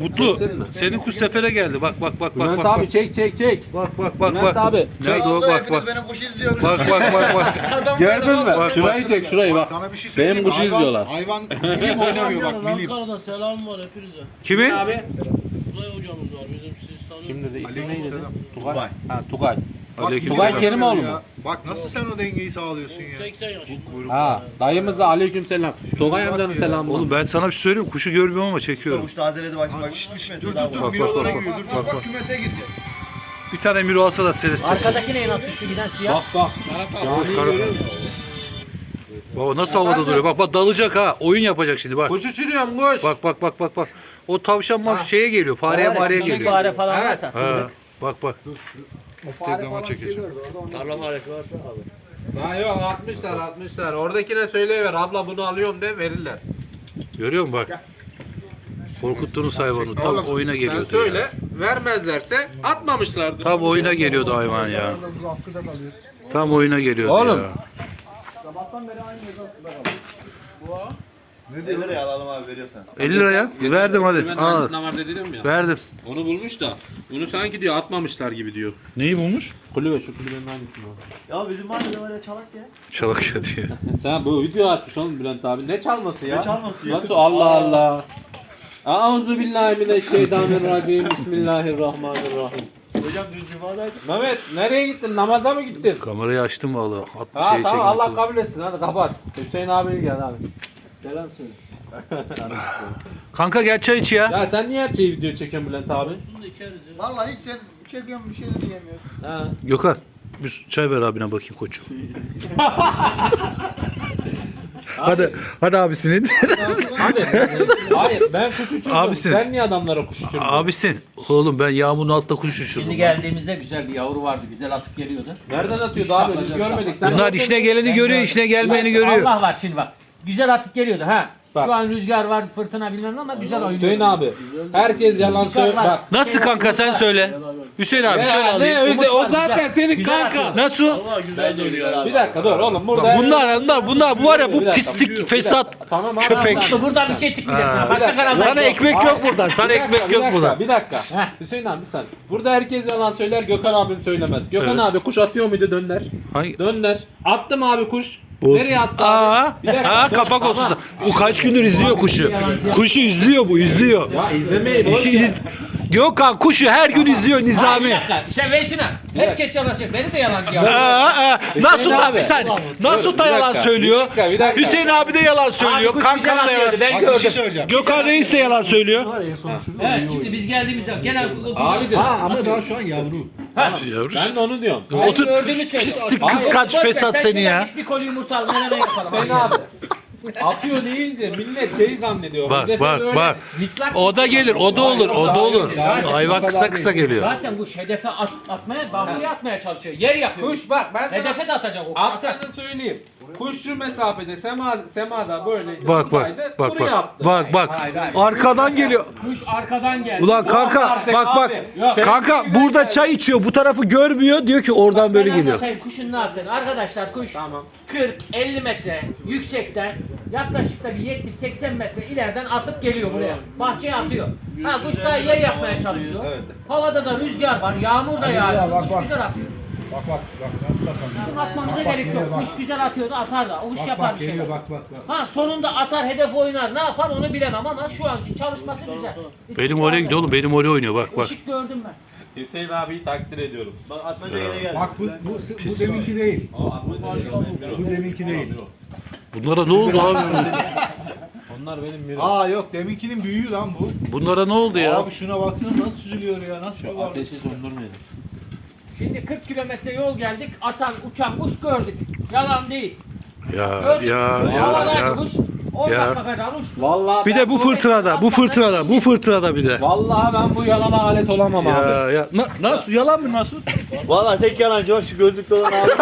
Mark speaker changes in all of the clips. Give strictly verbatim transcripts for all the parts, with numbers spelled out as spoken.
Speaker 1: Mutlu. Senin kuş sefere geldi. Bak bak bak bak.
Speaker 2: Bülent
Speaker 1: bak,
Speaker 2: abi
Speaker 1: bak.
Speaker 2: çek çek çek.
Speaker 1: Bak bak bak
Speaker 2: Bülent
Speaker 1: bak.
Speaker 2: abi.
Speaker 1: Nerede o? Bak bak.
Speaker 3: Benim kuş izliyorsunuz.
Speaker 1: Bak bak bak bak.
Speaker 3: Adam
Speaker 2: Gördün
Speaker 3: böyle
Speaker 2: mü?
Speaker 3: bak.
Speaker 2: Şurayı çek şurayı bak.
Speaker 4: Sana bir şey söyleyeyim
Speaker 2: Benim
Speaker 4: mi?
Speaker 2: kuşu
Speaker 4: Hayvan-
Speaker 2: izliyorlar.
Speaker 4: Hayvan bilim oynamıyor bak bilim.
Speaker 5: Ankara'da selam var hepinize.
Speaker 1: Kimin?
Speaker 2: Abi.
Speaker 5: Tugay hocamız var bizim siz tanıyorsunuz.
Speaker 2: Kim dedi? İsmi neydi?
Speaker 4: Tugay.
Speaker 2: Tugay. Ha Tugay.
Speaker 4: Bak,
Speaker 1: Aleykümselam.
Speaker 2: Tugay Kerimoğlu mu?
Speaker 4: Bak nasıl sen o dengeyi sağlıyorsun ya.
Speaker 5: seksen yaşında.
Speaker 2: Ha dayımız da aleykümselam. Tugay amcanın
Speaker 4: ya.
Speaker 2: selamı.
Speaker 1: Oğlum ben sana bir şey söyleyeyim. Kuşu görmüyorum ama çekiyorum.
Speaker 3: Kuş tazeledi bak bak. üç metre
Speaker 4: Dur
Speaker 3: daha
Speaker 4: dur
Speaker 3: var.
Speaker 4: dur.
Speaker 1: bak,
Speaker 4: Mirolara
Speaker 1: bak,
Speaker 4: giriyor. Dur
Speaker 1: bak,
Speaker 4: bak
Speaker 1: bak.
Speaker 4: bak kümese girecek.
Speaker 1: Bir tane miro alsa da seyretsin.
Speaker 6: Arkadaki ne nasıl şu giden siyah?
Speaker 2: Bak bak. Caniyi görüyor musun?
Speaker 1: Baba nasıl havada duruyor? Bak bak dalacak ha. Oyun yapacak şimdi bak.
Speaker 2: Kuş uçuruyorum kuş.
Speaker 1: Bak bak bak bak bak. O tavşan maf şeye geliyor. Fareye mareye
Speaker 6: Küçük
Speaker 1: geliyor.
Speaker 6: fare falan
Speaker 2: Evet.
Speaker 6: varsa.
Speaker 1: Ha, bak bak.
Speaker 4: Instagram'a çekeceğim.
Speaker 3: Tarla faresi varsa alır.
Speaker 2: Ha yok atmışlar atmışlar. Oradakine söyleyiver abla bunu alıyorum de verirler.
Speaker 1: Görüyor musun bak. Korkuttunuz hayvanı. Tam
Speaker 2: Oğlum,
Speaker 1: oyuna geliyordu.
Speaker 2: Sen söyle
Speaker 1: ya.
Speaker 2: vermezlerse atmamışlardır.
Speaker 1: Tam oyuna geliyordu hayvan ya. Tam oyuna geliyordu
Speaker 2: Oğlum.
Speaker 1: ya.
Speaker 3: elli liraya alalım abi veriyorsan.
Speaker 1: elli liraya. Verdim hadi.
Speaker 2: Ben
Speaker 1: Al.
Speaker 2: aynısından var dedim ya.
Speaker 1: Verdim.
Speaker 2: Onu bulmuş da. Bunu sanki diyor atmamışlar gibi diyor.
Speaker 1: Neyi bulmuş?
Speaker 2: Kulübe şu kulübenin aynısını.
Speaker 3: Ya bizim mahallede var ya çalak ya.
Speaker 1: Çalak ya diye.
Speaker 2: Sen bu video açmış oğlum Bülent abi. Ne çalması ya?
Speaker 3: Ne çalması ya?
Speaker 2: Nasıl Allah Allah. Auzu billahi mineşşeytanirracim. Bismillahirrahmanirrahim.
Speaker 3: Hocam dün cumadaydı.
Speaker 2: Mehmet nereye gittin? Namaza mı gittin?
Speaker 1: Kamerayı açtım valla. At
Speaker 2: Ha
Speaker 1: şey
Speaker 2: tamam
Speaker 1: çekim.
Speaker 2: Allah kabul etsin hadi kapat. Hüseyin abi gel abi. Selam söyle.
Speaker 1: Kanka gel çay iç ya.
Speaker 2: Ya sen niye her şeyi video çekiyorsun Bülent abi?
Speaker 5: Bunu da içeriz ya.
Speaker 3: Vallahi hiç sen çekiyorsun bir şey de diyemiyorsun.
Speaker 2: Ha.
Speaker 1: Gökhan. Bir çay ver abine bakayım koçum. hadi hadi abisinin.
Speaker 2: Hadi. Hayır ben kuş uçurdum.
Speaker 1: Abisin.
Speaker 2: Sen niye adamlara kuş uçurdun?
Speaker 1: Abisin. Oğlum ben yağmurun altta kuş uçurdum.
Speaker 6: Şimdi geldiğimizde güzel bir yavru vardı. Güzel atıp geliyordu.
Speaker 2: Nereden atıyordu abi? Biz görmedik. Sen
Speaker 1: Bunlar işine geleni görüyor, işine gelmeyeni görüyor.
Speaker 6: Allah var şimdi bak. Güzel atıp geliyordu ha.
Speaker 2: Bak.
Speaker 6: Şu an rüzgar var, fırtına bilmem ama güzel oynuyor.
Speaker 2: Hüseyin abi. Herkes yalan söylüyor. Bak.
Speaker 1: Nasıl kanka sen söyle. Hüseyin abi şöyle
Speaker 2: Ya, ne
Speaker 1: alayım.
Speaker 2: Hüseyin? O
Speaker 6: Umut var,
Speaker 2: zaten
Speaker 6: güzel.
Speaker 2: senin
Speaker 6: Güzel
Speaker 2: kanka.
Speaker 6: atıyor.
Speaker 1: Nasıl?
Speaker 5: Valla güzel duruyor abi.
Speaker 2: Bir dakika dur oğlum burada.
Speaker 1: Bunlar bunlar bunlar bu var ya bu
Speaker 2: Bir dakika.
Speaker 1: pislik fesat
Speaker 2: Tamam abi.
Speaker 1: köpek.
Speaker 6: Mutlu, buradan bir şey çıkmayacak sana. Başka karar
Speaker 1: Sana
Speaker 6: yok.
Speaker 1: ekmek yok buradan. Sana
Speaker 2: Bir dakika,
Speaker 1: ekmek
Speaker 2: bir
Speaker 1: yok
Speaker 2: dakika,
Speaker 1: buradan.
Speaker 2: Bir dakika.
Speaker 6: Heh.
Speaker 2: Hüseyin abi bir saniye. Burada herkes yalan söyler, Gökhan abim söylemez. Gökhan
Speaker 1: Evet.
Speaker 2: abi kuş atıyor muydu dönder?
Speaker 1: Hangi?
Speaker 2: Dönder. Attım abi kuş.
Speaker 1: Olsun.
Speaker 2: Nereye attı
Speaker 1: Aa,
Speaker 2: abi? Bir dakika.
Speaker 1: aa kapak olsun. O kaç gündür izliyor kuşu. Kuşu izliyor bu izliyor.
Speaker 2: Ya izlemeyi boş
Speaker 1: İşi
Speaker 2: ver.
Speaker 1: iz... Gökhan kuşu her gün izliyor
Speaker 6: Hayır, bir
Speaker 1: Nizami.
Speaker 6: dakika. İşte ver şuna. Herkes yalan söylüyor. Beni de yalancı
Speaker 1: Aa,
Speaker 6: yapıyor.
Speaker 1: aa. Nasut
Speaker 2: abi.
Speaker 1: abi sen. Nasut da
Speaker 2: bir
Speaker 1: yalan
Speaker 2: dakika,
Speaker 1: söylüyor.
Speaker 2: bir dakika, bir dakika.
Speaker 1: Hüseyin abi de yalan
Speaker 6: Abi
Speaker 1: söylüyor.
Speaker 6: kuş
Speaker 1: Kankam
Speaker 6: güzel
Speaker 1: da yalan.
Speaker 6: atıyordu. Ben
Speaker 4: Bak bir şey
Speaker 6: gördüm.
Speaker 4: söyleyeceğim.
Speaker 1: Gökhan Reis de yalan söylüyor.
Speaker 6: Evet şimdi biz geldiğimizde gene
Speaker 2: Abi
Speaker 4: Ha ama daha şu an yavru.
Speaker 1: Yavrum
Speaker 2: ben de onu diyorum.
Speaker 1: Otur.
Speaker 6: gördüğümü söyle.
Speaker 1: Pislik
Speaker 6: Abi,
Speaker 1: kıskanç
Speaker 6: boş ver,
Speaker 1: fesat
Speaker 6: sen
Speaker 1: seni
Speaker 6: şuna
Speaker 1: ya.
Speaker 6: git bir koli yumurta al. Menemen yapalım.
Speaker 2: Hüseyin abi. Atıyor deyince millet şey zannediyor.
Speaker 1: Bak
Speaker 2: Hedefe
Speaker 1: bak
Speaker 2: böyle
Speaker 1: bak.
Speaker 2: zikzak
Speaker 1: O da gelir, o da olur, o da olur. Hayvan kısa kısa geliyor.
Speaker 6: Zaten bu hedefe at, atmaya, bahçeye atmaya çalışıyor. Yer yapıyor.
Speaker 2: Kuş bak ben sana
Speaker 6: Hedefe de atacak o. Atar.
Speaker 2: attığını söyleyeyim. Kuş şu mesafede sema, semada böyle
Speaker 1: Bak
Speaker 2: buradaydı,
Speaker 1: bak bak
Speaker 2: buraya
Speaker 1: bak.
Speaker 2: attı.
Speaker 1: Bak bak.
Speaker 6: Hayır, hayır.
Speaker 1: Arkadan geliyor.
Speaker 6: Kuş arkadan geldi.
Speaker 1: Ulan kanka
Speaker 2: artık
Speaker 1: bak bak.
Speaker 2: abi. Yok.
Speaker 1: Kanka
Speaker 2: Sen-
Speaker 1: burada çay içiyor. Bu tarafı görmüyor. Diyor ki oradan böyle
Speaker 6: Ben
Speaker 1: geliyor.
Speaker 6: anlatayım kuşun ne yaptığını. Arkadaşlar kuş
Speaker 2: Tamam.
Speaker 6: kırk elli metre yüksekten yaklaşık da bir yetmiş seksen metre ileriden atıp geliyor buraya. Bahçeye atıyor. Ha kuş da yer yapmaya çalışıyor.
Speaker 2: Evet.
Speaker 6: Havada da rüzgar var, yağmur da yağıyor.
Speaker 4: bak,
Speaker 6: Kuş
Speaker 4: bak.
Speaker 6: güzel atıyor.
Speaker 4: Bak bak bak nasıl bakalım.
Speaker 6: Atmamıza
Speaker 4: Bak,
Speaker 6: gerek
Speaker 4: geliyor,
Speaker 6: yok.
Speaker 4: bak.
Speaker 6: Kuş güzel atıyordu, atar da. O iş
Speaker 4: Bak
Speaker 6: yapar
Speaker 4: bak
Speaker 6: bir şeyler.
Speaker 4: geliyor bak bak bak.
Speaker 6: Ha sonunda atar, hedef oynar. Ne yapar onu bilemem ama şu anki çalışması güzel.
Speaker 1: Benim oraya gidiyor oğlum. Benim oraya oynuyor. Bak bak.
Speaker 6: Işık gördüm ben.
Speaker 2: Hüseyin abiyi takdir ediyorum.
Speaker 3: Bak atmaca yine geldi.
Speaker 4: Bak bu bu, bu deminki değil.
Speaker 2: O atmaca
Speaker 4: Bu deminki değil.
Speaker 1: Bunlara ne oldu abi?
Speaker 2: Onlar benim bir
Speaker 4: Aa yok deminkinin büyüğü lan bu.
Speaker 1: Bunlara ne oldu ya?
Speaker 4: Abi şuna baksana nasıl süzülüyor ya nasıl yuvarlak.
Speaker 2: ateşi söndürmeyin.
Speaker 6: Şimdi kırk kilometre yol geldik. Atan, uçan kuş gördük. Yalan değil.
Speaker 1: Ya
Speaker 6: Gördük.
Speaker 1: ya ya
Speaker 6: Havadaydı
Speaker 1: ya.
Speaker 6: kuş. on
Speaker 1: Ya.
Speaker 6: dakika kadar uçtu.
Speaker 2: Vallahi
Speaker 1: Bir
Speaker 2: ben,
Speaker 1: de bu fırtınada, bu fırtınada, bu fırtınada bir de.
Speaker 2: vallahi ben bu yalana alet olamam abi.
Speaker 1: Ya ya Na, nasıl yalan mı nasıl?
Speaker 3: Valla tek yalancı var şu gözlükte olan abi.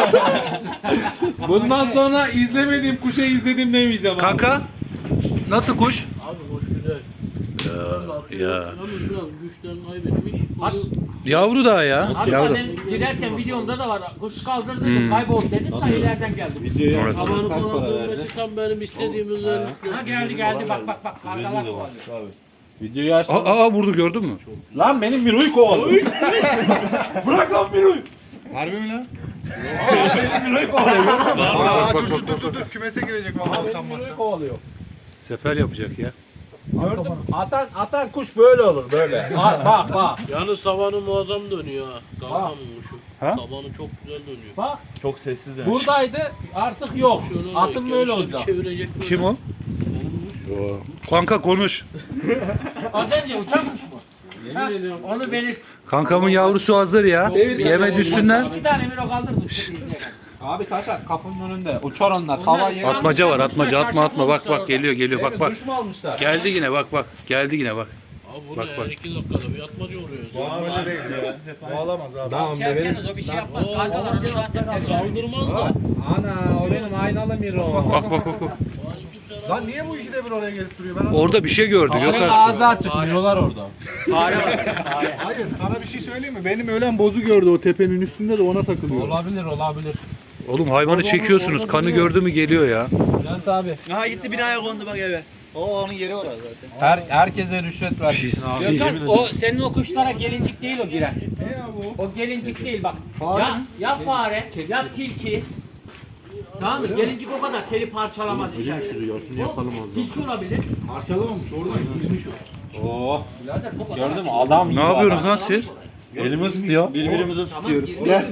Speaker 2: Bundan sonra izlemediğim kuşa izledim demeyeceğim abi.
Speaker 1: Kanka nasıl kuş?
Speaker 5: Abi hoş güzel.
Speaker 1: Ya.
Speaker 5: Yalnız biraz güçlerini kaybetmiş.
Speaker 1: Yavru daha ya.
Speaker 6: Hatta
Speaker 1: Yavru.
Speaker 6: ben girerken videomda da var. Kuş kaldırdım, kayboldu dedim. Ta ileriden geldi.
Speaker 2: Videoya
Speaker 1: Evet.
Speaker 5: Tabanı
Speaker 2: kaç
Speaker 5: falan
Speaker 2: para verdi?
Speaker 5: dönmesi tam benim istediğim özellikle.
Speaker 6: Ha geldi geldi bak bak bak. Kargalar kovalıyor.
Speaker 2: Videoyu açtım.
Speaker 1: Aa, aa vurdu gördün mü?
Speaker 2: Lan benim Miro'yu kovalıyor. Bırak lan Miro'yu.
Speaker 4: Harbi mi lan?
Speaker 2: Benim Miro'yu kovalıyor.
Speaker 4: Aa dur dur dur dur dur kümese girecek vallahi utanmazsa.
Speaker 2: Miro'yu kovalıyor.
Speaker 1: Sefer yapacak ya.
Speaker 2: Gördün mü? Atan, atan kuş böyle olur böyle. Bak bak bak.
Speaker 5: Yalnız tavanı muazzam dönüyor ha. Kankam şu.
Speaker 1: Ha?
Speaker 5: Tavanı çok güzel dönüyor.
Speaker 2: Bak
Speaker 3: Çok sessiz yani.
Speaker 2: buradaydı artık yok.
Speaker 5: Şöyle
Speaker 2: Atın böyle
Speaker 5: genişleri
Speaker 2: olacak.
Speaker 5: Çevirecek böyle.
Speaker 1: Kim o? Kanka konuş.
Speaker 6: Az önce uçan kuş mu? Ha,
Speaker 5: Yemin ediyorum.
Speaker 6: onu belirt.
Speaker 1: Kankamın yavrusu hazır ya. Yeme düşsünler.
Speaker 6: İki tane Miro kaldırdı.
Speaker 2: Abi kaçak kapının önünde. Uçar onlar. Tava yeri.
Speaker 1: Atmaca var atmaca atma atma bak bak geliyor geliyor bak bak.
Speaker 2: Duş mu almışlar?
Speaker 1: Geldi yine bak bak. Geldi yine bak.
Speaker 5: Abi bu
Speaker 1: Bak,
Speaker 5: ne
Speaker 1: bak.
Speaker 5: her iki dakikada bir atmaca oluyor.
Speaker 4: Boğazmaca değil ya. Bağlamaz abi.
Speaker 2: Tamam bebeğim.
Speaker 6: Kerkeniz o bir şey yapmaz. Kankalar onu zaten tercih ediyor.
Speaker 5: Saldırmaz da.
Speaker 2: Ana o benim aynalı Miro.
Speaker 1: Bak bak bak. bak.
Speaker 4: Lan niye bu ikide bir oraya gelip duruyor? Ben anlamadım.
Speaker 1: Orada bir şey gördü
Speaker 2: Farenin
Speaker 1: Gökhan.
Speaker 2: ağzı açık Mirolar orada.
Speaker 6: Fare var. Fare.
Speaker 4: Hayır sana bir şey söyleyeyim mi? Benim ölen bozu gördü o tepenin üstünde de ona takılıyor.
Speaker 2: Olabilir olabilir.
Speaker 1: Oğlum hayvanı çekiyorsunuz. Kanı gördü mü geliyor ya.
Speaker 2: Bülent abi.
Speaker 3: Aha gitti binaya kondu bak eve. O onun yeri orası zaten.
Speaker 2: Her, herkese rüşvet vermişsin abi.
Speaker 6: Gökhan, o senin o kuşlara gelincik değil o giren.
Speaker 4: Ne ya bu?
Speaker 6: O gelincik değil bak.
Speaker 4: Fare
Speaker 6: Ya
Speaker 4: mi?
Speaker 6: ya fare ya tilki. Tamam mı? Gelincik o kadar teli parçalamaz içeride.
Speaker 5: Şunu yapalım
Speaker 6: O tilki olabilir.
Speaker 4: Parçalamamış oradan gizmiş o.
Speaker 2: Oo.
Speaker 6: Birader bu kadar.
Speaker 2: Gördün mü
Speaker 6: açık.
Speaker 2: adam
Speaker 1: Ne
Speaker 2: gibi
Speaker 1: yapıyorsunuz
Speaker 2: adam.
Speaker 1: lan siz?
Speaker 2: Elimi ısıtıyor.
Speaker 3: Birbirimizi tutuyoruz.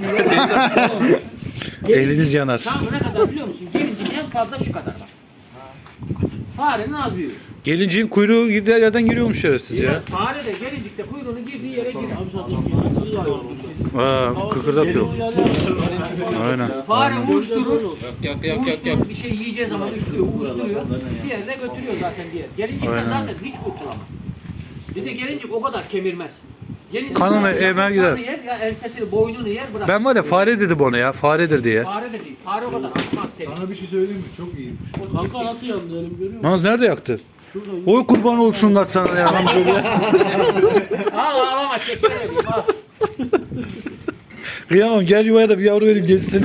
Speaker 1: Eliniz yanar.
Speaker 6: Tamam ne kadar biliyor musun? Gelincik en fazla şu kadar bak. Farenin az büyüğü.
Speaker 1: Gelinciğin kuyruğu gider yerden giriyormuş şerefsiz ya.
Speaker 6: Fare de gelincikte kuyruğunu girdiği yere girer.
Speaker 5: Abi zaten bir hayvan.
Speaker 1: Aa kıkırdak yok. Aynen.
Speaker 6: Fare uçturur.
Speaker 5: Yak yak yak yak.
Speaker 6: Uçturur bir şey yiyeceği zaman üflüyor, uçturuyor. Bir yerine götürüyor zaten diye. Gelincikten
Speaker 1: Aynen.
Speaker 6: zaten hiç kurtulamaz. Bir de gelincik o kadar kemirmez. Gelincik
Speaker 1: Kanını
Speaker 6: sadece
Speaker 1: emer
Speaker 6: yaprağını
Speaker 1: gider.
Speaker 6: yer, ya ensesini, boynunu yer bırak.
Speaker 1: Ben var ya fare dedim ona ya. Faredir diye.
Speaker 6: Fare de değil. Fare o kadar atmaz seni.
Speaker 4: Sana bir şey söyleyeyim mi? Çok iyi.
Speaker 5: Kanka nasıl yandı elim görüyor musun?
Speaker 1: Naz nerede yaktın? Oy kurban olsunlar sana ya.
Speaker 6: Al ağlama çekilelim. Al.
Speaker 1: Kıyamam gel yuvaya da bir yavru vereyim geçsin.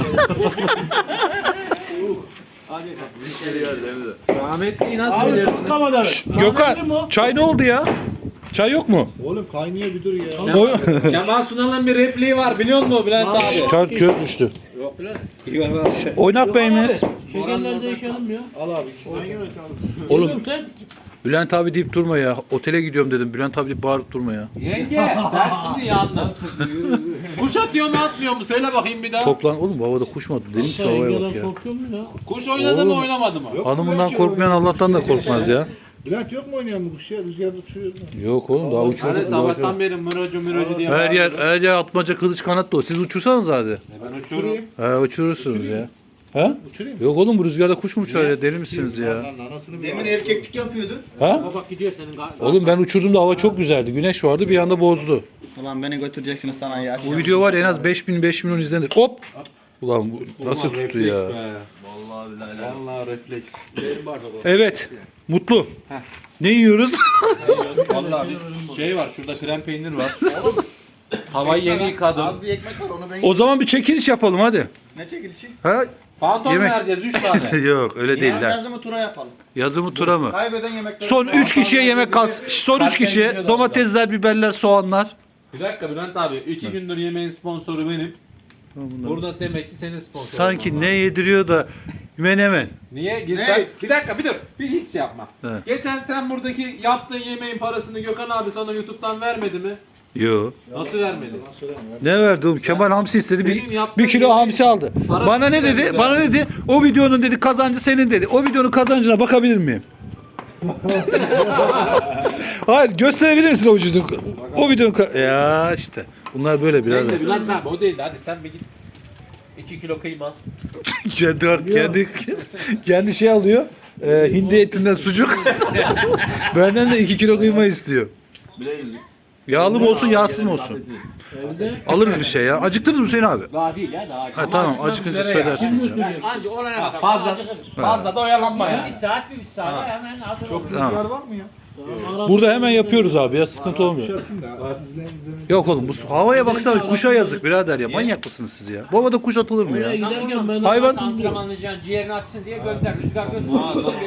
Speaker 6: Hadi
Speaker 2: Rahmetliyi nasıl biliyorsun?
Speaker 1: Gökhan çay ne oldu ya? Çay yok mu?
Speaker 4: Oğlum kaynıyor bir dur ya.
Speaker 1: Oy.
Speaker 2: Kemal Sunal'ın bir repliği var biliyor musun Bülent abi?
Speaker 1: Çay göz düştü.
Speaker 6: Yok lan.
Speaker 1: Oynak beyimiz.
Speaker 5: Şekerler değişelim ya.
Speaker 4: Al abi ikisini.
Speaker 1: Oğlum
Speaker 5: Sen
Speaker 1: Bülent abi deyip durma ya. Otele gidiyorum dedim. Bülent abi deyip bağırıp durma ya.
Speaker 2: Yenge sen şimdi yandın. Kuş atıyor mu atmıyor mu? Söyle bakayım bir daha.
Speaker 1: Toplan oğlum bu havada kuş mu attı? Deniz şu havaya bak
Speaker 5: yengeler
Speaker 1: ya.
Speaker 5: korkuyor mu ya?
Speaker 2: Kuş oynadı mı oynamadı mı?
Speaker 4: Yok,
Speaker 1: Hanımından
Speaker 4: Bülent
Speaker 1: korkmayan Allah'tan da korkmaz ya.
Speaker 4: Bülent yok mu oynayan bu kuş ya? Rüzgarda uçuyor.
Speaker 1: Yok oğlum daha
Speaker 2: Hani
Speaker 1: uçurduk.
Speaker 2: sabahtan beri mıracı mıracı diye
Speaker 1: Her yer,
Speaker 2: bağırıyor.
Speaker 1: her yer atmaca kılıç kanat dolu. Siz uçursanız hadi.
Speaker 2: Ben uçuyorum.
Speaker 1: He uçurursunuz ya. Ha?
Speaker 4: Uçurayım.
Speaker 1: Yok oğlum bu rüzgarda kuş mu uçar ya? Deli misiniz ya?
Speaker 4: Lan anasını bir
Speaker 3: Demin
Speaker 4: al.
Speaker 3: erkeklik yapıyordu.
Speaker 1: Ha?
Speaker 6: Bak gidiyor senin gar-
Speaker 1: Oğlum ben uçurdum da hava çok güzeldi. Güneş vardı bir anda bozdu.
Speaker 3: Ulan beni götüreceksiniz sana ya.
Speaker 1: Bu video var ya en az beş bin beş milyon izlenir. Hop! Ulan bu nasıl
Speaker 2: Ulan
Speaker 1: tuttu
Speaker 2: refleks
Speaker 1: ya?
Speaker 2: be.
Speaker 3: Vallahi billahi.
Speaker 2: Vallahi refleks.
Speaker 1: Evet. Mutlu. Ne yiyoruz?
Speaker 2: Vallahi bir şey var şurada krem peynir var. Havayı yeni yıkadım.
Speaker 3: Az bir ekmek var onu ben
Speaker 1: O zaman bir çekiliş yapalım hadi.
Speaker 3: Ne çekilişi?
Speaker 1: Ha?
Speaker 2: Fantom
Speaker 1: Yemek.
Speaker 2: vereceğiz üç tane.
Speaker 1: Yok öyle değil
Speaker 3: Ya
Speaker 1: lan.
Speaker 3: yazımı tura yapalım.
Speaker 1: Yazı mı tura mı?
Speaker 3: Kaybeden yemekleri.
Speaker 1: Son üç kişiye yemek kalsın. Son üç kişiye domatesler, biberler, soğanlar.
Speaker 2: Bir dakika Bülent abi. iki gündür yemeğin sponsoru benim. Burada demek ki senin sponsorun.
Speaker 1: Sanki ne yediriyor da menemen.
Speaker 2: Niye? Gitsen...
Speaker 3: Ne?
Speaker 2: Bir dakika bir dur. Bir hiç yapma.
Speaker 1: He.
Speaker 2: Geçen sen buradaki yaptığın yemeğin parasını Gökhan abi sana YouTube'dan vermedi mi?
Speaker 1: Yo.
Speaker 2: Nasıl vermedi?
Speaker 1: Ne verdi oğlum? Kemal hamsi istedi.
Speaker 2: Senin
Speaker 1: Bir,
Speaker 2: yaptığın
Speaker 1: bir kilo
Speaker 2: yemeğin
Speaker 1: hamsi aldı.
Speaker 2: parası
Speaker 1: Bana ne
Speaker 2: bile
Speaker 1: dedi?
Speaker 2: güzel.
Speaker 1: Bana ne dedi? O videonun dedi kazancı senin dedi. O videonun kazancına bakabilir miyim? Hayır gösterebilir misin o videonun? O videonun ka- ya işte. Bunlar böyle biraz.
Speaker 2: Neyse Bülent abi o değildi. Hadi sen bir git. iki kilo kıyma.
Speaker 1: kendi kendi kendi şey alıyor. E, hindi etinden sucuk. Benden de iki kilo kıyma istiyor. Yağlı mı olsun, yağsız mı olsun?
Speaker 5: Evde
Speaker 1: Alırız bir şey ya. Acıktınız mı Hüseyin abi?
Speaker 6: Daha değil ya daha.
Speaker 1: Ha, tamam
Speaker 2: acıkmak
Speaker 1: acıkınca
Speaker 2: üzere ya.
Speaker 1: söylersiniz ya.
Speaker 6: Yani anca olana kadar.
Speaker 2: Fazla
Speaker 6: acıkırız.
Speaker 2: fazla da oyalanma
Speaker 6: Bir
Speaker 2: yani.
Speaker 6: saat bir, bir saat hemen hazır
Speaker 4: Çok
Speaker 6: olur.
Speaker 4: rüzgar var mı ya?
Speaker 1: Burada hemen yapıyoruz abi ya sıkıntı olmuyor.
Speaker 4: Şartım da. İzle izle.
Speaker 1: Yok oğlum bu havaya baksana kuşa yazık birader ya. Manyak mısınız siz ya? Bu havada kuş atılır mı
Speaker 5: oraya
Speaker 1: ya?
Speaker 5: giderken ben
Speaker 1: Hayvan-
Speaker 6: Antrenmanlayacaksın ciğerini açsın diye gönder. Rüzgar götürsün. Kuş getirsin.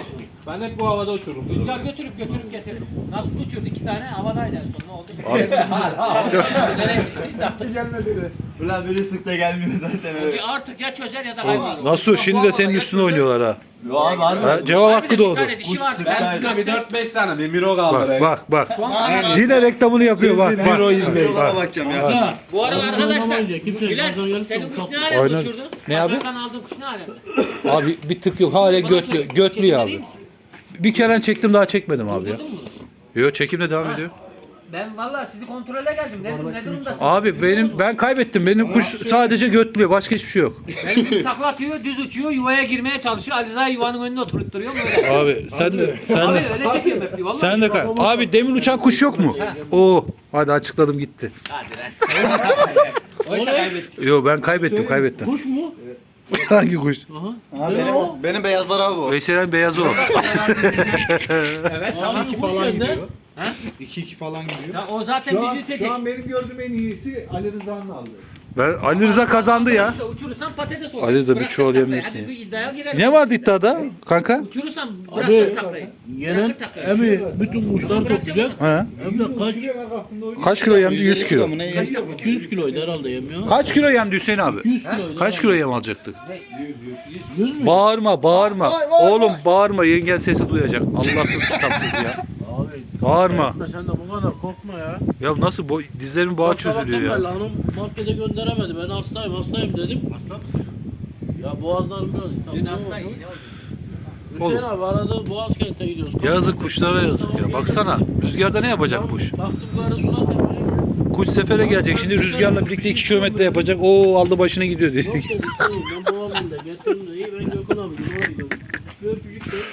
Speaker 2: Ben hep bu havada uçururum.
Speaker 6: Rüzgar götürüp götürüp getirir. Nasıl uçurdu? İki tane havadaydı en son. Ne oldu? Nereye düştüyse artık.
Speaker 4: Gelmedi de.
Speaker 3: Ulan biri sık da gelmiyor zaten öyle.
Speaker 6: Artık ya çözer ya da kaybolur.
Speaker 1: Nasıl? Şimdi de senin üstüne oynuyorlar ha.
Speaker 3: Yo abi abi.
Speaker 1: Ha, cevap hakkı doğdu.
Speaker 6: Bir tane dişi vardı.
Speaker 2: Ben size bir dört beş tane bir miro kaldı.
Speaker 1: Bak bak bak.
Speaker 6: Son kanat.
Speaker 1: Yine reklamını yapıyor bak bak.
Speaker 3: Yola bakacağım ya.
Speaker 5: Ya.
Speaker 6: Bu arada arkadaşlar.
Speaker 5: Kimse
Speaker 6: Bülent
Speaker 5: kazan
Speaker 6: senin
Speaker 5: yarısı
Speaker 6: kuş
Speaker 5: çok.
Speaker 6: ne alemde
Speaker 1: Aynen.
Speaker 6: uçurdu?
Speaker 1: Ne abi?
Speaker 6: Pazardan aldığın kuş ne alemde?
Speaker 1: Abi bir tık yok. Hala götlü, götlü abi. Bir kere çektim daha çekmedim abi ya. Yok çekimle devam ediyor.
Speaker 6: Ben vallahi sizi kontrole geldim. Ne, ne durumdasın?
Speaker 1: Abi benim ben kaybettim. Benim kuş sadece götlüyor. Başka hiçbir şey yok.
Speaker 6: Benim kuş takla atıyor, düz uçuyor, yuvaya girmeye çalışıyor. Ali Rıza yuvanın önüne oturtturuyor böyle.
Speaker 1: Abi sen de sen
Speaker 6: Abi
Speaker 1: de
Speaker 6: öyle çekiyorum hep diyor. Vallahi.
Speaker 1: sen de kay- Abi demin uçan kuş yok mu? Oo. Hadi açıkladım gitti.
Speaker 6: Hadi lan. Oysa kaybettik.
Speaker 1: Yo ben kaybettim kaybettim.
Speaker 5: Kuş mu?
Speaker 1: Hangi kuş?
Speaker 3: Ha, benim, benim beyazlar abi o.
Speaker 1: Veysel'in beyazı o.
Speaker 6: Evet tamam.
Speaker 5: Hangi kuş
Speaker 4: falan
Speaker 5: sende?
Speaker 4: gidiyor.
Speaker 6: Ha?
Speaker 4: iki iki falan gidiyor.
Speaker 6: Ta- O zaten
Speaker 4: Şu
Speaker 6: bizi
Speaker 4: an,
Speaker 6: ütecek.
Speaker 4: şu an benim gördüğüm en iyisi Ali Rıza'nın aldı.
Speaker 1: Ben Ali Rıza kazandı ya.
Speaker 6: İşte uçurursan patates olur.
Speaker 1: Ali Rıza bir
Speaker 6: Bırakacak
Speaker 1: çuval
Speaker 6: taklayı.
Speaker 1: yemişsin
Speaker 6: Hadi
Speaker 1: ya.
Speaker 6: bir iddiaya girelim.
Speaker 1: Ne vardı iddiada kanka?
Speaker 6: Uçurursan
Speaker 5: Abi,
Speaker 6: bırakacak taklayı.
Speaker 5: Gelen
Speaker 6: Bırakır taklayı.
Speaker 5: emi bütün kuşlar toplayacak.
Speaker 1: He?
Speaker 5: Hem de kaç?
Speaker 4: Şuraya bak aklımda oynuyor.
Speaker 1: Kaç kilo yemdi? yüz kilo.
Speaker 3: Ne
Speaker 6: Kaç takla?
Speaker 5: iki yüz kiloydu herhalde yem ya.
Speaker 1: Kaç kilo yemdi Hüseyin abi?
Speaker 5: iki yüz kiloydu.
Speaker 1: Kaç kilo yem alacaktık?
Speaker 5: yüz mü?
Speaker 1: Bağırma, bağırma. Oğlum bağırma, yengen sesi duyacak. Allahsız kitapsız ya.
Speaker 5: Abi.
Speaker 1: Bağırma.
Speaker 5: Korkma, sen de bu kadar korkma ya.
Speaker 1: Ya nasıl bo dizlerimin bağı çözülüyor ya.
Speaker 5: Sabahtan beri hanım markete gönderemedi. Ben hastayım hastayım dedim. Hasta mısın? Ya boğazlarım biraz.
Speaker 6: Dün hasta iyi ne oldu?
Speaker 5: Hüseyin abi aradı Boğazkent'e gidiyoruz.
Speaker 1: Yazık kuşlara yazık ya. Baksana rüzgarda ne yapacak kuş?
Speaker 5: Baktım karı sular tepeye.
Speaker 1: Kuş sefere gelecek şimdi rüzgarla birlikte iki kilometre yapacak. Oo aldı başına gidiyor diye.
Speaker 5: Yok dedi, tamam, ben babamın da getirdim de iyi ben Gökhan abi oraya gidiyorum. Bir öpücük de.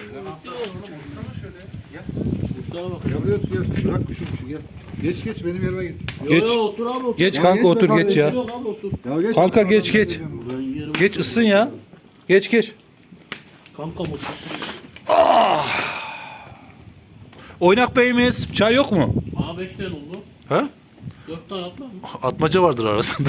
Speaker 5: Kuşlara bak.
Speaker 4: Ya buraya otur gel. Bırak kuşu kuşu gel. Geç geç benim yerime git.
Speaker 1: Geç.
Speaker 5: Yo, yo, otur abi otur.
Speaker 1: Geç
Speaker 4: Ya
Speaker 1: kanka
Speaker 4: geçme
Speaker 1: otur
Speaker 4: kanka,
Speaker 1: geç ya.
Speaker 5: Yok abi otur.
Speaker 4: Ya geç.
Speaker 1: Kanka geç geç.
Speaker 5: Ben yerim.
Speaker 1: Geç ısın ya. Geç geç.
Speaker 5: Kanka mutlusun.
Speaker 1: Oynak beyimiz çay yok mu?
Speaker 5: Aa beş tane oldu.
Speaker 1: Ha?
Speaker 5: Dört tane atma mı?
Speaker 1: Atmaca vardır arasında.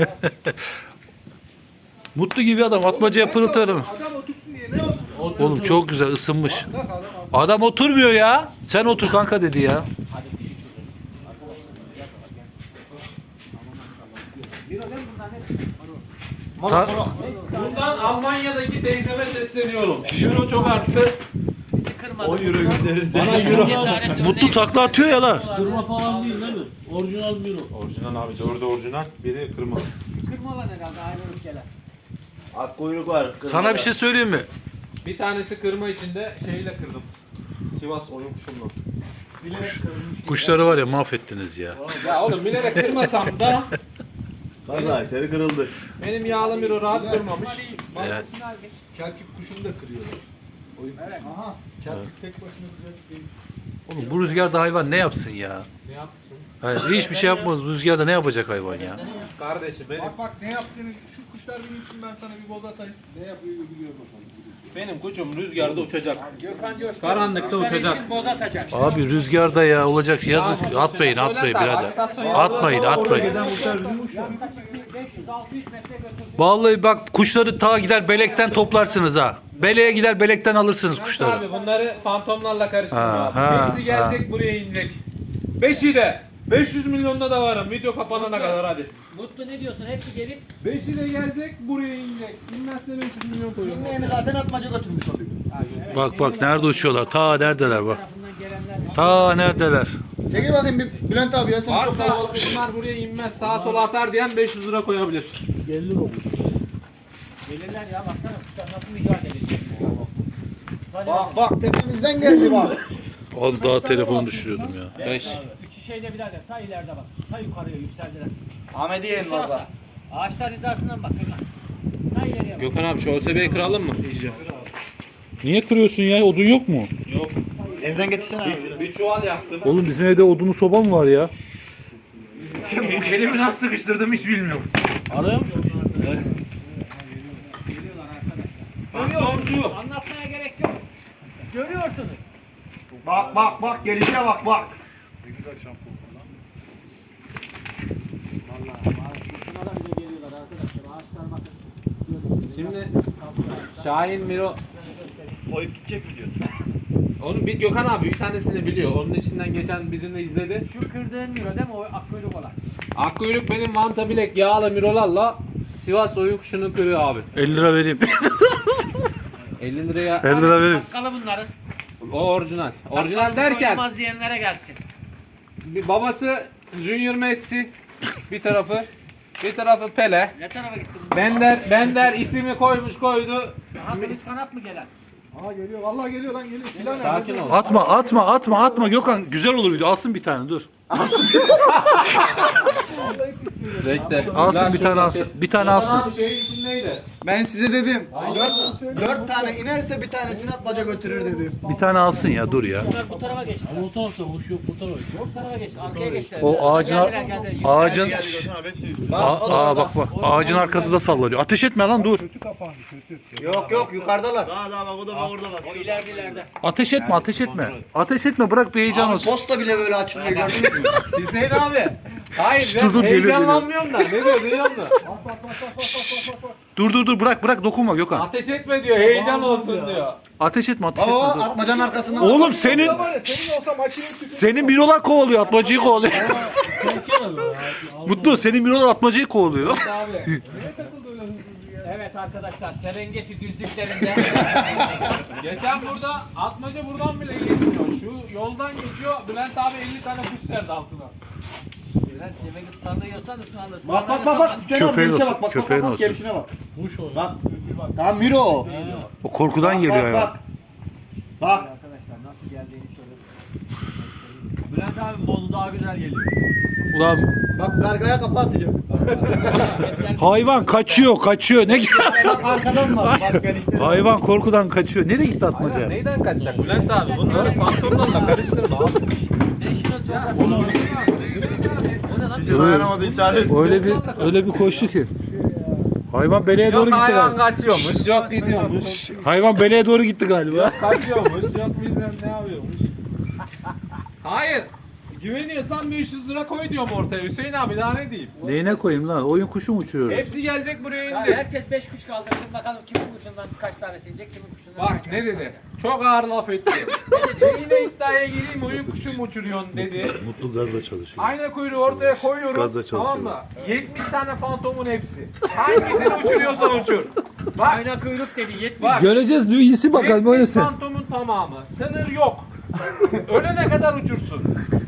Speaker 1: Mutlu gibi adam atmacaya pırıltarım.
Speaker 4: Adam otursun diye ne otur?
Speaker 1: Oğlum çok güzel ısınmış. Adam oturmuyor ya. Sen otur kanka dedi ya. Ta-
Speaker 2: Bundan Almanya'daki teyzeme sesleniyorum. Euro çok arttı.
Speaker 3: O yürü gönderir.
Speaker 2: Bana euro.
Speaker 1: Mutlu takla atıyor ya la.
Speaker 5: Kırma falan değil değil mi? Orijinal Miro.
Speaker 2: Orijinal abi. Dördü orijinal. Biri kırma.
Speaker 6: Kırmalar herhalde ayrı ülkeler.
Speaker 3: Ak kuyruk var.
Speaker 1: Sana bir şey söyleyeyim mi?
Speaker 2: Bir tanesi kırma içinde şeyle kırdım. Sivas oyun kuşumla.
Speaker 1: Kuşları var ya mahvettiniz ya.
Speaker 2: Ya oğlum bilerek kırmasam da
Speaker 3: Vallahi seni kırıldı.
Speaker 2: benim yağlı miro rahat durmamış.
Speaker 1: Evet.
Speaker 4: Kerkük kuşunu da kırıyorlar. Oyun kuşu. Aha. Kerkük tek başına güzel değil.
Speaker 1: Oğlum bu rüzgarda hayvan ne yapsın ya?
Speaker 2: Ne yaptın?
Speaker 1: Hayır, hiçbir şey yapmaz. Bu rüzgarda ne yapacak hayvan ya?
Speaker 2: Kardeşim benim,
Speaker 4: Bak bak ne yaptığını şu kuşlar bir insin ben sana bir boz atayım. Ne yapıyor biliyor bakalım.
Speaker 2: benim kuşum rüzgarda uçacak.
Speaker 6: Gökhan Coşkun.
Speaker 2: Karanlıkta
Speaker 6: kuşları
Speaker 2: uçacak.
Speaker 6: için boz atacak.
Speaker 1: Abi rüzgarda ya olacak yazık. Atmayın atmayın birader. Atmayın atmayın.
Speaker 6: beş yüz altı yüz metre götürdü.
Speaker 1: Vallahi bak kuşları ta gider belekten toplarsınız ha. Beleğe gider belekten alırsınız kuşları.
Speaker 2: Abi bunları fantomlarla karıştırma
Speaker 1: Ha,
Speaker 2: abi.
Speaker 1: ha,
Speaker 2: Birisi gelecek buraya inecek. Beşi de. beş yüz milyonda da varım. Video kapanana kadar hadi.
Speaker 6: Mutlu ne diyorsun? Hepsi gelip
Speaker 2: Beşi de gelecek buraya inecek. İnmezse beş yüz milyon koyuyorum.
Speaker 3: Yani zaten atmaca götürmüş oluyor.
Speaker 1: Bak bak nerede uçuyorlar. Ta neredeler bak.
Speaker 6: tarafından gelenler var.
Speaker 1: Ta neredeler.
Speaker 3: Çekil bakayım bir Bülent abi ya sen çok
Speaker 2: Varsa
Speaker 3: kalabalık.
Speaker 2: bunlar buraya inmez sağa sola atar diyen beş yüz lira koyabilir.
Speaker 5: Gelir olur.
Speaker 6: Gelirler ya baksana kuşlar nasıl mücadele ediyor. Hadi
Speaker 3: Bak bak tepemizden geldi bak.
Speaker 1: Az daha telefonu düşürüyordum ya.
Speaker 2: beş.
Speaker 6: Üçü şeyde birader ta ileride bak. Ta yukarıya yükseldiler.
Speaker 3: Ahmediye'nin orada.
Speaker 6: Ağaçlar hizasından bak Gökhan. Ta ileriye bak.
Speaker 2: Gökhan abi şu O S B'yi kıralım mı?
Speaker 1: Niye kırıyorsun ya? Odun yok mu?
Speaker 2: Yok.
Speaker 3: Evden getirsene abi.
Speaker 2: Bir çuval yaptım.
Speaker 1: Oğlum bizim evde odunu soba mı var ya?
Speaker 2: Elimi nasıl sıkıştırdım hiç bilmiyorum.
Speaker 5: Arayayım.
Speaker 2: Fantomcu.
Speaker 6: Anlatmaya gerek yok. Görüyorsunuz.
Speaker 3: Bak bak bak gelişe bak bak.
Speaker 6: Şuna bile geliyorlar arkadaşlar. Ağaçlar bakın.
Speaker 2: Şimdi Şahin Miro
Speaker 3: Koyup gidecek mi diyor?
Speaker 2: Onu bir Gökhan abi bir tanesini biliyor. Onun içinden geçen birini izledi.
Speaker 6: Şu kırdığın miro değil mi? O akkuyruk olan.
Speaker 2: Akkuyruk benim Vanta Bilek yağlı mirolarla Sivas oyun kuşunu kırıyor abi.
Speaker 1: elli lira vereyim.
Speaker 2: elli liraya
Speaker 1: elli lira vereyim.
Speaker 6: Takkalı bunların.
Speaker 2: o orijinal. Orijinal
Speaker 6: Takkalı
Speaker 2: derken
Speaker 6: oynamaz diyenlere gelsin.
Speaker 2: bir babası Junior Messi bir tarafı, bir tarafı Pele.
Speaker 6: Ne tarafa gittin? bu?
Speaker 2: Bender Bender ismi koymuş koydu.
Speaker 6: Aha kılıç kanat mı gelen?
Speaker 4: Aa geliyor. Vallahi geliyor lan geliyor. Silah nerede?
Speaker 2: Sakin ol.
Speaker 1: Atma atma atma atma Gökhan, güzel olur video. Alsın bir tane dur.
Speaker 2: Bekle.
Speaker 1: Alsın bir tane alsın. Bir tane alsın.
Speaker 2: Abi şeyin içindeydi.
Speaker 3: Ben size dedim. Dört, dört tane inerse bir tanesini atmaca götürür dedim.
Speaker 1: Bir tane alsın ya, dur ya.
Speaker 6: Bunlar bu tarafa geçti.
Speaker 5: Ama o tarafta boş yok bu tarafa.
Speaker 6: Bu tarafa geçti. Arkaya geçti.
Speaker 1: O ağacın
Speaker 6: Geldiler, geldiler. Yüksel-
Speaker 1: ağacın Aa, aa, bak bak ağacın arkası da sallanıyor. Ateş etme lan, dur.
Speaker 3: Yok yok yukarıdalar.
Speaker 6: O ileride ileride.
Speaker 1: Ateş etme, ateş etme. Ateş etme, bırak bir heyecan
Speaker 3: Abi
Speaker 1: olsun.
Speaker 3: posta bile böyle açılıyor gördünüz mü?
Speaker 2: Hüseyin abi. Hayır ben
Speaker 1: dur, dur, geliyor,
Speaker 2: heyecanlanmıyorum da. Ne diyor biliyor musun?
Speaker 1: Dur dur dur, bırak bırak, dokunma Gökhan.
Speaker 2: Ateş etme diyor, heyecan olsun diyor.
Speaker 1: Ateş etme, ateş etme.
Speaker 3: Baba
Speaker 1: Dur.
Speaker 3: atmacanın arkasından.
Speaker 1: Oğlum senin
Speaker 4: Var ya senin olsa makineyi tükür.
Speaker 1: senin mirolar kovalıyor, atmacıyı kovalıyor. Mutlu, senin mirolar atmacıyı kovalıyor.
Speaker 6: Abi.
Speaker 4: Niye takıldı öyle hızlı hızlı ya?
Speaker 6: Evet arkadaşlar Serengeti düzlüklerinde
Speaker 2: Geçen burada atmaca buradan bile geçmiyor. Şu yoldan geçiyor. Bülent abi elli tane kuş serdi altına.
Speaker 6: biraz yemek ısmarlıyorsan ısmarlasın.
Speaker 3: Bak bak bak bak. Hüseyin abi
Speaker 1: Köpeğin
Speaker 3: gelişe
Speaker 1: olsun,
Speaker 3: bak bak
Speaker 1: köpeğin
Speaker 3: bak bak
Speaker 1: olsun.
Speaker 3: gelişine bak.
Speaker 5: Kuş o.
Speaker 3: Bak. Tamam Miro o.
Speaker 1: O korkudan
Speaker 3: Bak
Speaker 1: geliyor
Speaker 3: bak
Speaker 1: ya.
Speaker 3: bak. Bak.
Speaker 6: Arkadaşlar nasıl geldiğini şöyle.
Speaker 3: Bülent abi bozu daha güzel geliyor.
Speaker 1: Ulan
Speaker 3: Bak gargaya kapı atacak.
Speaker 1: hayvan kaçıyor, kaçıyor. Ne
Speaker 3: Bak arkadan bak. Bak gelişte.
Speaker 1: hayvan korkudan kaçıyor. Nereye gitti atmaca?
Speaker 2: Neyden kaçacak Bülent abi? Bunları fantomlarla karıştırma abi.
Speaker 6: National Geographic. O ne lan?
Speaker 3: Dayanamadı internet.
Speaker 1: Öyle bir öyle bir koştu ki. Hayvan beleye doğru
Speaker 2: Yok
Speaker 1: gitti
Speaker 2: hayvan
Speaker 1: galiba.
Speaker 2: kaçıyormuş, yok gidiyormuş.
Speaker 1: Hayvan beleye doğru gitti galiba.
Speaker 2: Kaçıyormuş, yok bilmem ne yapıyormuş. Hayır. Güveniyorsan beş yüz lira koy diyorum ortaya Hüseyin abi, daha ne diyeyim?
Speaker 1: Neyine koyayım lan? Oyun kuşu mu uçuyor?
Speaker 2: Hepsi gelecek buraya
Speaker 6: Ya
Speaker 2: indi.
Speaker 6: herkes beş kuş kaldırsın bakalım kimin kuşundan kaç tanesi inecek kimin kuşundan
Speaker 2: Bak
Speaker 6: kaç
Speaker 2: ne
Speaker 6: tanesi
Speaker 2: dedi? Çok ağır laf etti. Ben yine iddiaya gireyim, oyun kuşu mu uçuruyorsun dedi.
Speaker 1: Mutlu gazla çalışıyor.
Speaker 2: Ayna kuyruğu ortaya koyuyorum.
Speaker 1: Gazla çalışıyor.
Speaker 2: Tamam mı? yetmiş tane fantomun hepsi. Hangisini uçuruyorsan uçur. Bak.
Speaker 6: Ayna kuyruk dedi yetmiş.
Speaker 2: Bak.
Speaker 1: Göreceğiz iyisi bakalım öyle
Speaker 2: yetmiş
Speaker 1: sen.
Speaker 2: fantomun tamamı. Sınır yok. Ölene kadar uçursun.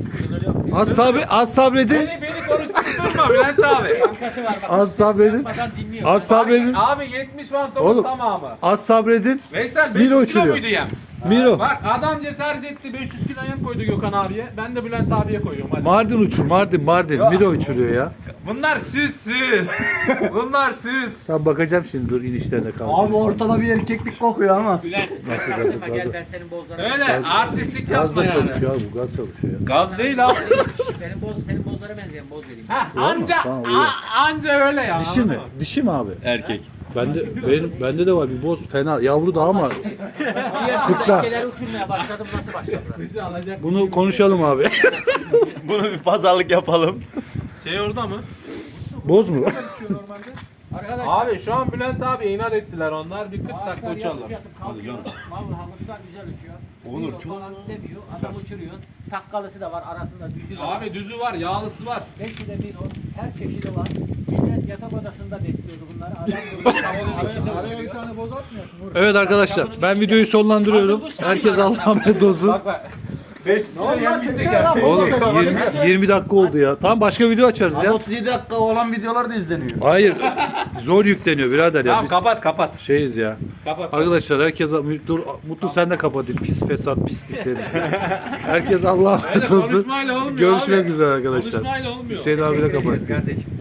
Speaker 1: Az sabret, az sabredin.
Speaker 2: Beni beni konuşturma Bülent abi.
Speaker 6: Kankası var bak.
Speaker 1: Az sabredin.
Speaker 6: Yapmadan dinliyor.
Speaker 1: Az sabredin.
Speaker 2: Abi yetmiş fantomun
Speaker 1: Oğlum.
Speaker 2: tamamı.
Speaker 1: Az sabredin.
Speaker 2: Veysel
Speaker 1: Miro
Speaker 2: beş yüz kilo
Speaker 1: uçuruyor.
Speaker 2: muydu yem?
Speaker 1: Miro.
Speaker 2: Bak adam cesaret etti, beş yüz kilo yem koydu Gökhan abiye. Ben de Bülent abiye koyuyorum hadi.
Speaker 1: Mardin uçur, Mardin, Mardin.
Speaker 2: Ya.
Speaker 1: Miro uçuruyor ya.
Speaker 2: Bunlar süs süs. Bunlar süs.
Speaker 1: Tam bakacağım şimdi, dur inişlerine kaldı.
Speaker 3: Abi ortada bir erkeklik kokuyor ama.
Speaker 6: Bülent sen
Speaker 1: Nasıl
Speaker 6: çaktırma
Speaker 1: gazı,
Speaker 6: gel
Speaker 1: gazı?
Speaker 6: ben senin bozlarını.
Speaker 2: Öyle artistlik
Speaker 1: Gazla
Speaker 2: yapma yani.
Speaker 1: çalışıyor abi, bu gaz çalışıyor ya.
Speaker 2: Gaz değil abi.
Speaker 6: Senin boz senin bozlara benzeyen boz vereyim.
Speaker 2: Ha, anca
Speaker 1: Tamam, iyi.
Speaker 2: a- anca öyle ya.
Speaker 1: Dişi mi? Dişi mi abi? Erkek. Bende benim bende de var bir boz, fena yavru da ama
Speaker 6: İki yaşında
Speaker 1: Sıkla.
Speaker 6: ilkeler uçurmaya başladım nasıl başladılar?
Speaker 2: Kuşu alacak.
Speaker 1: bunu konuşalım abi.
Speaker 3: Bunu bir pazarlık yapalım.
Speaker 2: Şey orada mı?
Speaker 1: Boz mu?
Speaker 6: Arkadaşlar
Speaker 2: Abi şu an Bülent abi inat ettiler onlar. Bir kırk dakika
Speaker 6: ağaçlar
Speaker 2: uçalım.
Speaker 6: yatıp yatıp kalkıyor. Vallahi kuşlar güzel uçuyor. Onur falan demiyor. Adam uçuruyor. Takkalısı da var arasında düzü de var.
Speaker 2: Abi düzü var, yağlısı var.
Speaker 6: Beşi de bir o. Her çeşidi var. Millet yatak odasında besliyordu bunları. Adam burada tavanın içinde
Speaker 4: Araya bir
Speaker 6: uçuruyor.
Speaker 4: tane boz atmıyorsun. Uğur.
Speaker 1: Evet arkadaşlar, ben videoyu sonlandırıyorum. Herkes Allah'a emanet olsun.
Speaker 2: Bak bak. beş yüz kilo yem
Speaker 4: Çeksene
Speaker 2: gidecek
Speaker 4: lan,
Speaker 2: ya.
Speaker 4: boz
Speaker 1: Oğlum
Speaker 4: atalım.
Speaker 1: yirmi, yirmi dakika oldu ya. Tamam, başka video açarız
Speaker 3: Abi
Speaker 1: ya.
Speaker 3: otuz yedi dakika olan videolar da izleniyor.
Speaker 1: Hayır. Zor yükleniyor birader ya.
Speaker 2: Tamam
Speaker 1: Biz
Speaker 2: kapat kapat.
Speaker 1: şeyiz ya.
Speaker 2: Kapat.
Speaker 1: Arkadaşlar herkese dur, Mutlu sen de kapatayım. Pis fesat pislik seni. Herkes Allah'a
Speaker 2: Öyle
Speaker 1: emanet olsun.
Speaker 2: konuşmayla olmuyor
Speaker 1: Görüşmek
Speaker 2: abi.
Speaker 1: üzere arkadaşlar.
Speaker 2: Konuşmayla olmuyor.
Speaker 1: Hüseyin abi de kapatayım.
Speaker 6: Kardeşim.